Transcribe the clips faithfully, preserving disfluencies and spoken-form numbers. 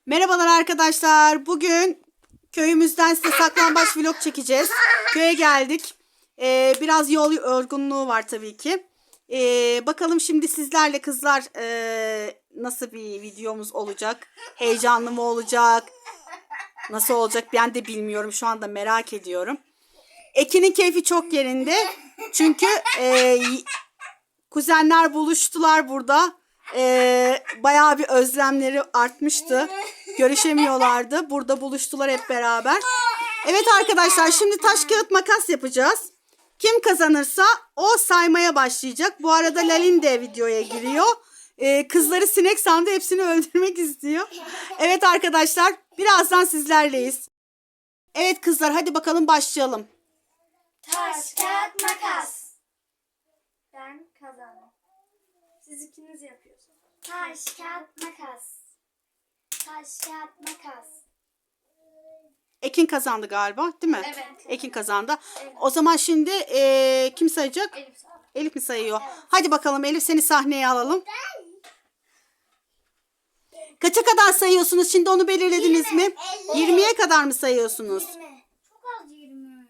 Merhabalar arkadaşlar. Bugün köyümüzden size saklambaç vlog çekeceğiz. Köye geldik. Ee, biraz yol yorgunluğu var tabii ki. Ee, bakalım şimdi sizlerle kızlar ee, nasıl bir videomuz olacak? Heyecanlı mı olacak? Nasıl olacak ben de bilmiyorum. Şu anda merak ediyorum. Ekin'in keyfi çok yerinde. Çünkü ee, kuzenler buluştular burada. Ee, bayağı bir özlemleri artmıştı. Görüşemiyorlardı. Burada buluştular hep beraber. Evet arkadaşlar, şimdi taş kağıt makas yapacağız. Kim kazanırsa o saymaya başlayacak. Bu arada Lalin de videoya giriyor. Ee, kızları sinek sandı, hepsini öldürmek istiyor. Evet arkadaşlar, birazdan sizlerleyiz. Evet kızlar, hadi bakalım başlayalım. Taş, kağıt, makas. Ben kazandım. Siz ikiniz yapıyorsunuz. Taş, kağıt, makas. Taş, kağıt, makas. Ekin kazandı galiba, değil mi? Evet. Ekin kazandı. Evet. O zaman şimdi ee, kim sayacak? Elif sağ. Elif mi sayıyor? Hadi bakalım Elif, seni sahneye alalım. Kaça kadar sayıyorsunuz? Şimdi onu belirlediniz mi? elli. yirmiye kadar mı sayıyorsunuz? yirmi. Çok az yirmi.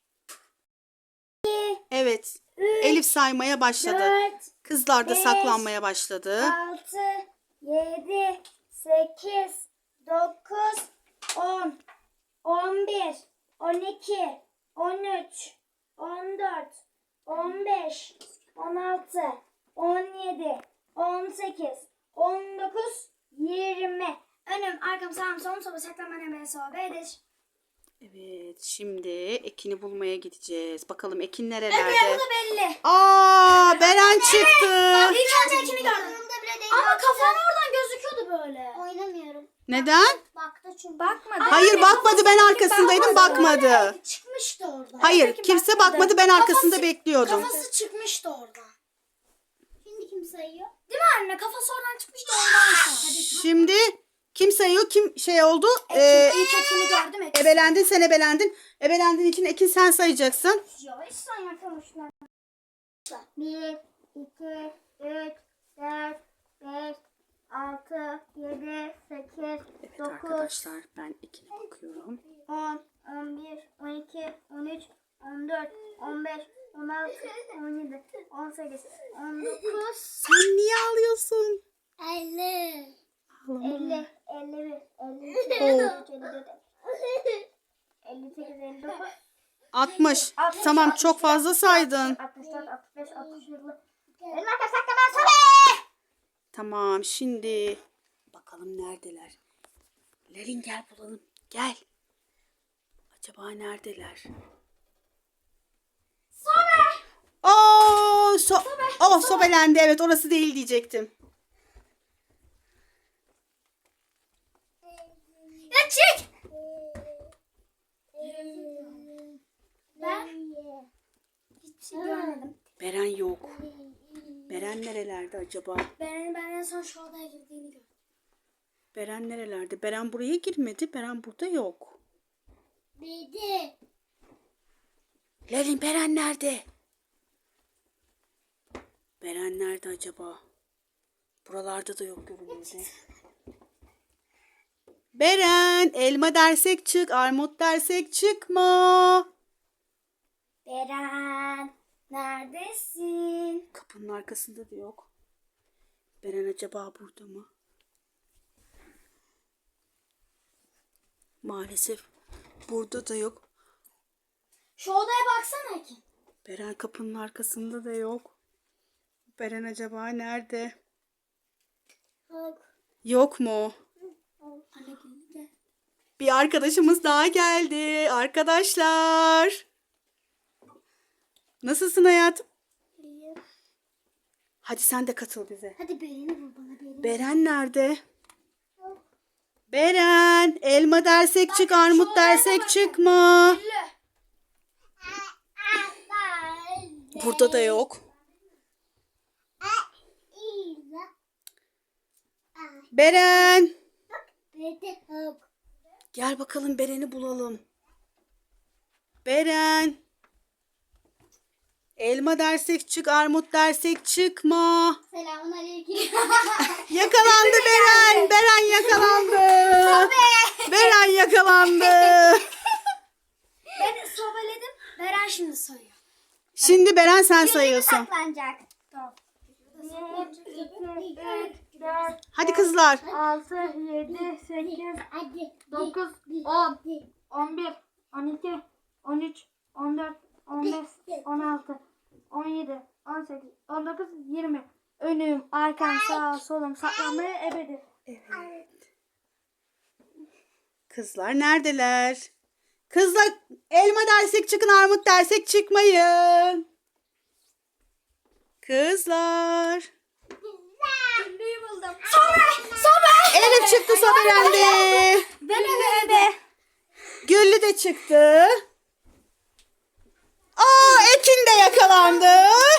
Evet. Elif saymaya başladı. dört, Kızlar da beş, saklanmaya başladı. altı, yedi, sekiz, dokuz, on, on bir, on iki, on üç, on dört, on beş, on altı, on yedi, on sekiz, on dokuz, yirmi. Önüm, arkam, sağım, solum, soba, saklanma, nemeye, sobedir. Evet, şimdi Ekin'i bulmaya gideceğiz. Bakalım Ekin Evet, nerelerde? bu da belli. Aa, Beren çıktı. İlk önce ikini gördüm. Ama kafam oradan gözüküyordu böyle. Oynamıyorum. Neden? Baktı çünkü. Bakmadı. Hayır, bakmadı, ben arkasındaydım, bakmadı. Çıkmıştı oradan. Hayır, kimse bakmadı, ben arkasında Kafası- bekliyordum. Kafası çıkmıştı oradan. Şimdi kim sayıyor? Değil mi anne? Kafası oradan çıkmıştı ondan sonra. Şimdi kim sayıyor, kim şey oldu? Ee, İlk ekini gördüm. Ekini. ebelendin, sen ebelendin. Ebelendiğin için Ekin sen sayacaksın. Yavaş saymaktan hoşlan. Bir, iki, üç, dört, beş, altı, yedi, sekiz, Evet dokuz, arkadaşlar, ben Ekin'e bakıyorum. on, on bir, on iki, on üç, on dört, on beş, on altı, on yedi, on sekiz, on dokuz, Sen niye ağlıyorsun? elli, Ağlama. elli, elli bir, elli iki, elli üç, elli dört, elli sekiz, elli dokuz, altmış. altmış, Tamam, altmış çok bir, fazla saydın. altmış dört, altmış beş, altmış yedi. Benim arkadaşlar saklamaya sobe! Tamam, şimdi bakalım neredeler? Lerin, gel bulalım. Gel. Acaba neredeler? Sobe. Oo, so oh, sobelendi. Evet, orası değil diyecektim. Ya çık. Ben hiçbir şey görmedim. Beren yok. Beren nerelerde acaba? Ben, ben en son şu odaya girdiğini gördüm. Beren nerelerde? Beren buraya girmedi. Beren burada yok. Bildi. Lerin, Beren nerede? Beren nerede acaba? Buralarda da yok görünmedi. Beren, elma dersek çık, armut dersek çıkma. Beren, neredesin? Kapının arkasında da yok. Beren acaba burada mı? Maalesef burada da yok. Şu odaya baksana ki. Beren kapının arkasında da yok. Beren acaba nerede? Yok mu? Anne geldi. Bir arkadaşımız daha geldi. Arkadaşlar. Nasılsın hayatım? Hadi sen de katıl bize. Hadi Beren'i bul bana Beren'i. Beren nerede? Beren, elma dersek çık, armut dersek çıkma. Burada da yok. Beren. Gel bakalım, Beren'i bulalım. Beren. Elma dersek çık, armut dersek çıkma. Selamun aleyküm. Yakalandı Beren. Beren yakalandı. Beren yakalandı. Ben sobeledim. Beren şimdi sayıyor. Şimdi Beren sen sayıyorsun. Saklanacak. Tamam. bir, iki, üç, dört, Hadi kızlar. altı, yedi, sekiz, Hadi. dokuz, on, on bir, on iki, on üç, on dört, on beş, on altı, on yedi, on sekiz, on dokuz, yirmi. Önüm, arkam, sağ, solum, saklanmaya ebedi. Kızlar neredeler? Kızlar elma dersek çıkın, armut dersek çıkmayın. Kızlar. Güllüyü buldum. Sobe! Sobe! Elif çıktı, sobelendi. Ben eve eve. Güllü de çıktı. Aa, Ekin de yakalandı.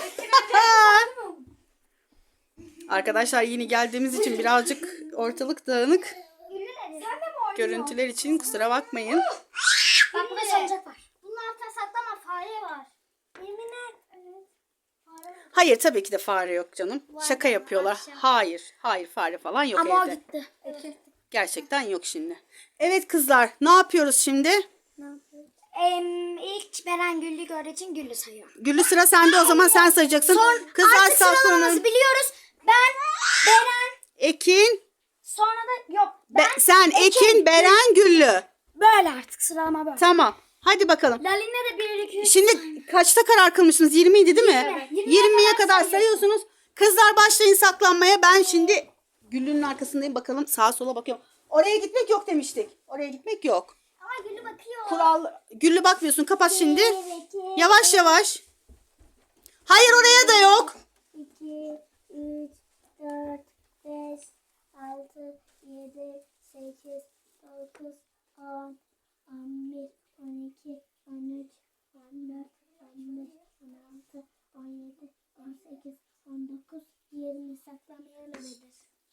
Arkadaşlar yeni geldiğimiz için birazcık ortalık dağınık. Sen de mi oynuyorsun? Görüntüler için kusura bakmayın. Bak burada sancak var. Bunun altına saklama, fare var. Yemin et. Evet. Fare var. Hayır tabii ki de fare yok canım. Şaka yapıyorlar. akşam. Hayır. Hayır fare falan yok Ama o evde. gitti. Gerçekten yok şimdi. Evet kızlar ne yapıyoruz şimdi? Em, ilk Beren Güllü gördüğü için Güllü sayıyor. Güllü sıra sende o zaman sen sayacaksın. Kızlar Artık sıralamamızı saklanın. biliyoruz. Ben, Beren, Ekin. sonra da yok. Ben Be- sen Ekin, Beren, Güllü. böyle artık sıralama böyle. Tamam. Hadi bakalım. Lalin'le de bir iki üç. Şimdi kaçta karar kılmışsınız? yirmi idi değil mi? Yirmi. yirmiye kadar sayıyorsunuz. Kızlar başlayın saklanmaya. Ben şimdi Güllü'nün arkasındayım. Bakalım sağa sola bakıyorum. Oraya gitmek yok demiştik. Oraya gitmek yok. Ama Gülü bakıyor. Kural. Güllü bakmıyorsun. Kapat şimdi. Yavaş yavaş. Hayır oraya da yok. iki, üç, dört, beş, altı, yedi, sekiz, dokuz, on, on bir, on iki, on üç, on dört, on beş, on altı, on yedi, on sekiz, on dokuz, yirmi saklamaya ölebilir.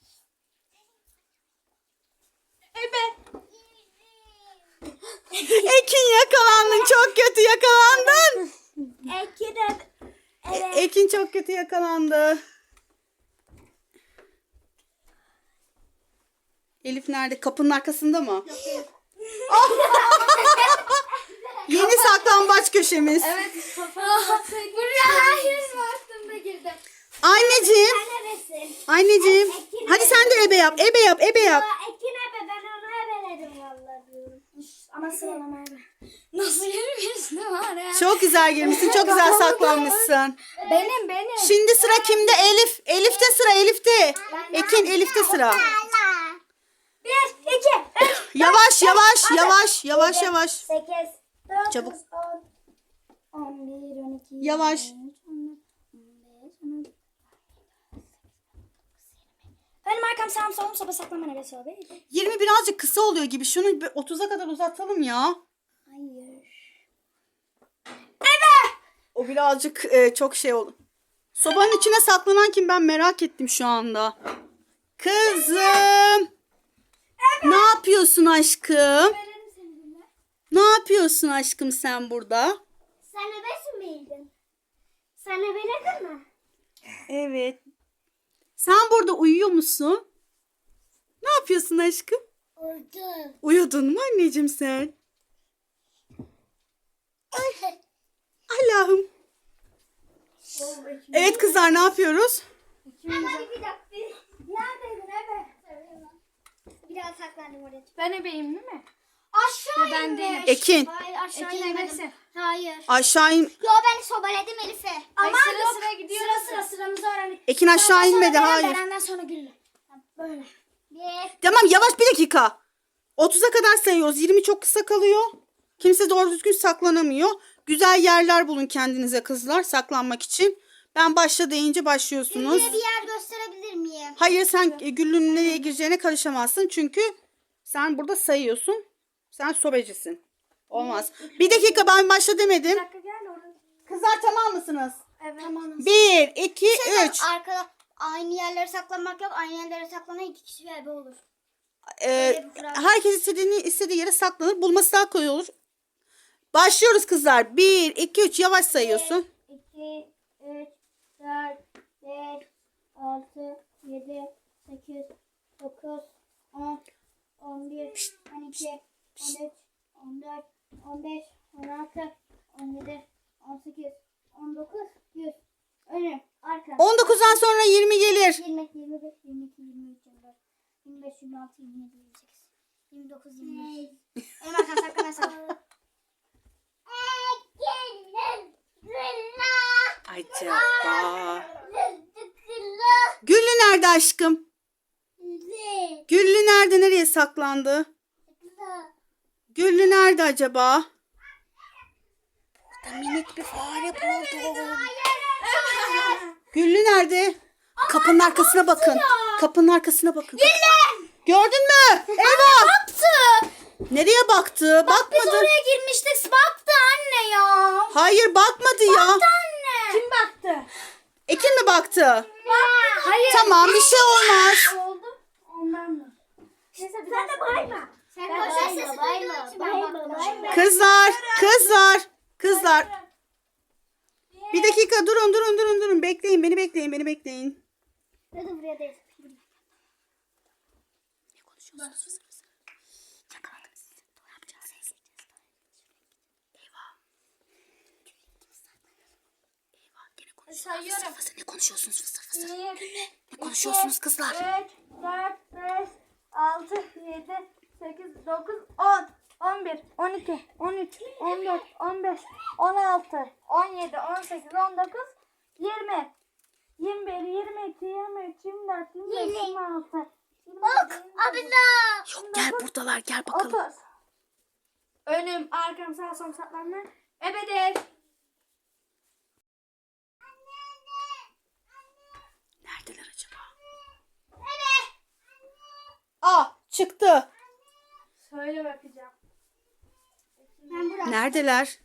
Ekin yakalandın. Çok kötü yakalandın. Eki de E- Ekin çok kötü yakalandı. Elif nerede? Kapının arkasında mı? Yeni saklambaç köşemiz. buraya hayır baktım da girdim. Anneciğim. Neresin? Anneciğim. Hadi sen de ebe yap. Ebe yap. Ebe yap. Ekin ebe ben onu ebeledim vallahi diyorum. Ama sıralama ebe. Nasıl yürümüyorsun var ya? Çok güzel girmişsin. Çok güzel saklanmışsın. Benim benim. Şimdi sıra kimde? Elif. Elif'te sıra. Elif'te. Ekin Elif'te sıra. Bir, iki, üç, Yavaş yavaş yavaş yavaş yavaş. sekiz, dokuz, Çabuk. on, on bir, on iki, Yavaş. on üç, on dört, on beş, on altı. Benim arkam sağım solum soba saklama neresi o be? yirmi birazcık kısa oluyor gibi. Şunu bir otuza kadar uzatalım ya. Hayır. O birazcık e, çok şey oldu. Sobanın içine saklanan kim ben merak ettim şu anda. Kızım. Ne yapıyorsun aşkım? Ne yapıyorsun aşkım sen burada? Sen ebesin miydin? Sen ebeledin mi? Evet. Sen burada uyuyor musun? Ne yapıyorsun aşkım? Uyudum. Uyudun mu anneciğim sen? Ay, Allah'ım. Evet kızlar ne yapıyoruz? Hadi bir dakika. Neredeydin ebe? Biraz saklandım oraya. Ben ebeyim değil mi? Aşağı ben inmiş. değilim. Ekin. Hayır aşağı Ekin inmedim. ebesin. Hayır. Aşağı in. Yo ben sobeledim Elif'e. Ama Ama sıra yok. sıra gidiyoruz. Sıra sıra sıramızı öğrendik. Ekin aşağı Sonra inmedi Beren, hayır. Beren'den sonra Güllü. Böyle. Bir. Tamam yavaş bir dakika. otuza kadar sayıyoruz. yirmi çok kısa kalıyor. Kimse doğru düzgün saklanamıyor. Güzel yerler bulun kendinize kızlar saklanmak için. Ben başla deyince başlıyorsunuz. Güllü'ye bir yer gösterebilir miyim? Hayır sen e, Güllü'nün nereye gireceğine karışamazsın. Çünkü sen burada sayıyorsun. Sen sobecisin. Olmaz. Bir dakika ben başla demedim. Bir dakika gel oraya. Kızlar tamam mısınız? Evet. Tamam. Bir, iki, Şey, üç. Arkada aynı yerlere saklanmak yok. Aynı yerlere saklanan iki kişi bir ebe olur. Ee, herkes istediğini istediği yere saklanır. Bulması daha kolay olur. Başlıyoruz kızlar. Bir, iki, üç. Yavaş sayıyorsun. iki, iki, üç, dört, beş, altı, yedi, sekiz, dokuz, on, on bir, on iki, on üç, on dört, on beş, on altı, on yedi, on sekiz, on dokuz, yüz. Önüm, arkam. on dokuzdan sonra yirmi gelir. yirmi, yirmi bir, yirmi iki, yirmi üç, yirmi dört, yirmi beş, yirmi altı, yirmi yedi, yirmi sekiz, yirmi dokuz, yirmi beş. Önüm arkam saklan saklan. Acaba. Güllü nerede aşkım? Güllü nerede? Nereye saklandı? Güllü nerede acaba? Burada minik bir fare buldum. Güllü nerede? Kapının arkasına bakın. Kapının arkasına bakın. Güllü! Gördün mü? Eyvah! Baktı. Nereye baktı? Biz Bakmadı. oraya girmiştik. Baktı anne ya. Hayır bakmadı ya. Anne. Kim baktı? Ekin mi baktı? Baktı. Hayır. Tamam bir şey olmaz. Oldu. Ondan mı? Sen de bayma. Sen de bayma. Bayma. Bayma. Bayma. Kızlar, kızlar, kızlar. Bir dakika durun durun durun durun. Bekleyin beni bekleyin beni bekleyin. Hadi buraya değil. Ne konuşuyorsunuz? Yakaladım sizi. Ne yapacağız? Eyvah. Eyvah gene konuşuyorsunuz. Sayıyorum. Fısır fısır. Ne konuşuyorsunuz fısır fısır? Bir, Ne konuşuyorsunuz kızlar? üç, dört, beş, altı, yedi, sekiz, dokuz, on, on bir, on iki, on üç, on dört, on beş, on altı, on yedi, on sekiz, on dokuz, yirmi, yirmi bir, yirmi iki, yirmi üç, yirmi dört, yirmi beş, yirmi altı, Bak abi de. Yok gel buradalar gel bakalım. otuz. Önüm, arkam, sağ, sol, saklanma. Ebedir. Neredeler acaba? Aa çıktı. Söyle bakacağım. Ben buraya. Neredeler?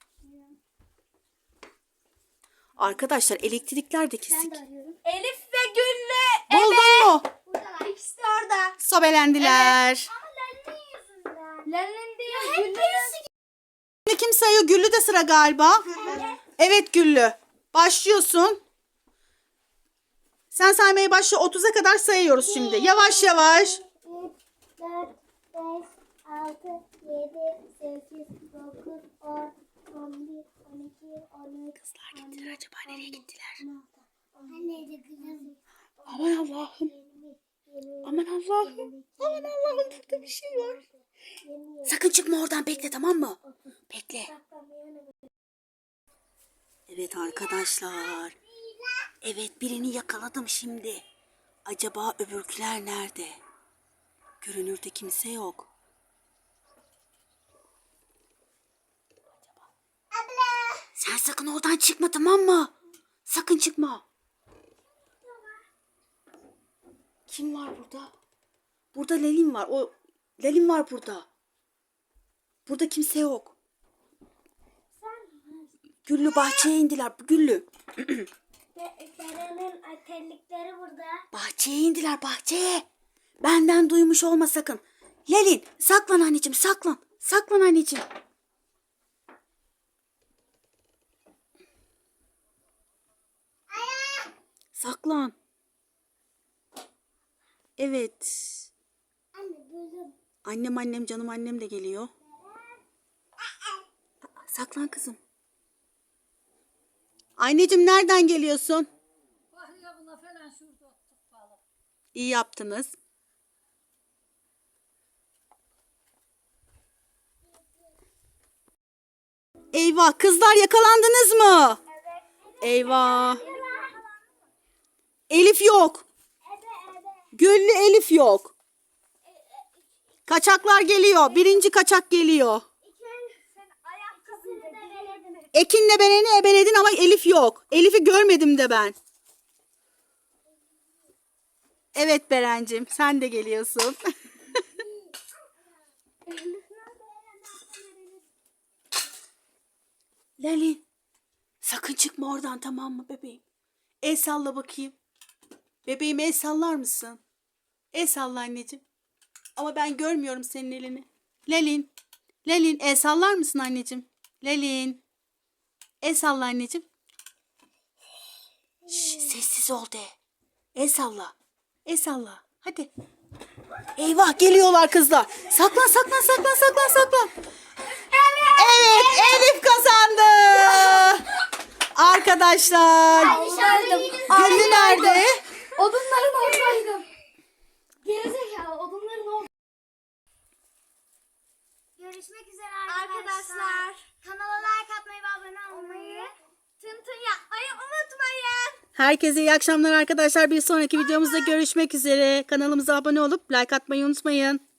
Arkadaşlar elektrikler de Ben kesik. de arıyorum. Elif ve Güllü. Buldun mu? Buradalar. İkisi de orada. Sobelendiler. Ama Lale'nin yüzünden. Lale'nin değil, Güllü'nün. Şimdi kim sayıyor? Güllü de sıra galiba. Evet Güllü. Başlıyorsun. Sen saymaya başla. otuza kadar sayıyoruz şimdi. Yavaş yavaş. üç, dört, beş, altı, yedi, sekiz, dokuz, on, on bir, on iki, on üç. Kızlar gittiler acaba nereye gittiler? Anneydi kızım. Aman Allah'ım. Aman Allah'ım. Aman Allah'ım burada bir şey var. Sakın çıkma oradan bekle tamam mı? Bekle. Evet arkadaşlar. Evet birini yakaladım şimdi. Acaba öbürküler nerede? Görünürde kimse yok. Sen sakın oradan çıkma tamam mı? Sakın çıkma. Kim var burada? Burada Lelin var. O Lelin var burada. Burada kimse yok. Güllü bahçeye indiler. Güllü. Sera'nın terlikleri burada. Bahçeye indiler bahçeye. Benden duymuş olma sakın. Lelin saklan anneciğim saklan. Saklan anneciğim. Saklan. Evet. Anne duydum. Annem annem canım annem de geliyor. Saklan kızım. Anneciğim nereden geliyorsun? İyi yaptınız. Eyvah kızlar yakalandınız mı? Eyvah. Elif yok. Güllü Elif yok. Kaçaklar geliyor. Birinci kaçak geliyor. Ekin'le Beren'i ebeledin ama Elif yok. Elif'i görmedim de ben. Evet Berencim sen de geliyorsun. Lali sakın çıkma oradan tamam mı bebeğim? El salla bakayım. Bebeğim el sallar mısın? El salla anneciğim. Ama ben görmüyorum senin elini. Lelin. Lelin el sallar mısın anneciğim? Lelin. El salla anneciğim. abisi ol de. El salla. El salla. Hadi. Eyvah geliyorlar kızlar. Saklan saklan saklan saklan saklan. Evet Elif kazandı. Arkadaşlar. Güllü nerede? Odunların oradaydım. Gerizekalı odunların orada. Görüşmek üzere arkadaşlar. Kanala like atmayı ve abone olmayı, tın tın yapmayı unutmayın. Herkese iyi akşamlar arkadaşlar. Bir sonraki videomuzda görüşmek üzere. Kanalımıza abone olup like atmayı unutmayın.